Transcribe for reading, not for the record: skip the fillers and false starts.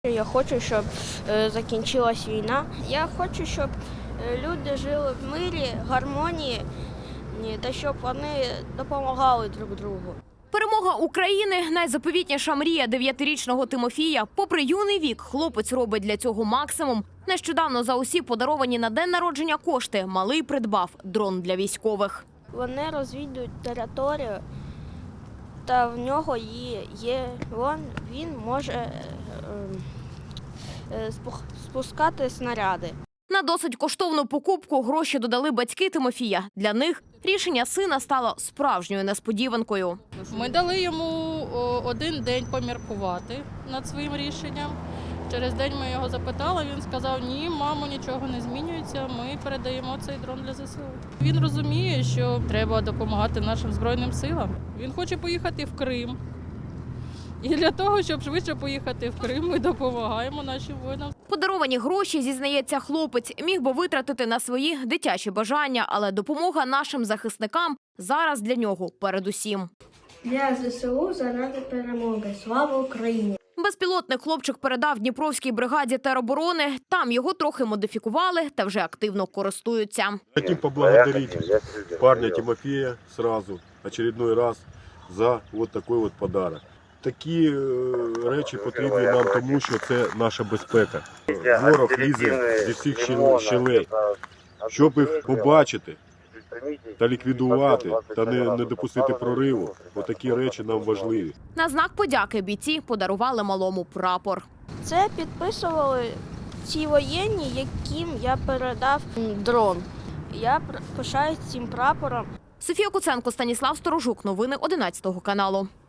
Я хочу, щоб закінчилась війна. Я хочу, щоб люди жили в мирі, гармонії та щоб вони допомагали друг другу. Перемога України – найзаповітніша мрія 9-річного Тимофія. Попри юний вік, хлопець робить для цього максимум. Нещодавно за усі подаровані на день народження кошти малий придбав дрон для військових. Вони розвідують територію, та в нього є він може спускати снаряди. На досить коштовну покупку гроші додали батьки Тимофія. Для них рішення сина стало справжньою несподіванкою. Ми дали йому один день поміркувати над своїм рішенням. Через день ми його запитали, він сказав: ні, мамо, нічого не змінюється, ми передаємо цей дрон для ЗСУ. Він розуміє, що треба допомагати нашим Збройним силам. Він хоче поїхати в Крим. І для того, щоб швидше поїхати в Крим, ми допомагаємо нашим воїнам. Подаровані гроші, зізнається хлопець, міг би витратити на свої дитячі бажання, але допомога нашим захисникам зараз для нього передусім. Для ЗСУ заради перемоги. Слава Україні! Безпілотник хлопчик передав Дніпровській бригаді тероборони. Там його трохи модифікували та вже активно користуються. Хотим поблагодарить парня Тимофея сразу, очередной раз, за вот такой вот подарок. Такі речі потрібні нам, тому що це наша безпека. Ворог лізе зі всіх щелей. Щоб їх побачити та ліквідувати, та не допустити прориву, отакі речі нам важливі. На знак подяки бійці подарували малому прапор. Це підписували ці воєнні, яким я передав дрон. Я пишаюсь цим прапором. Софія Куценко, Станіслав Сторожук. Новини 11 каналу.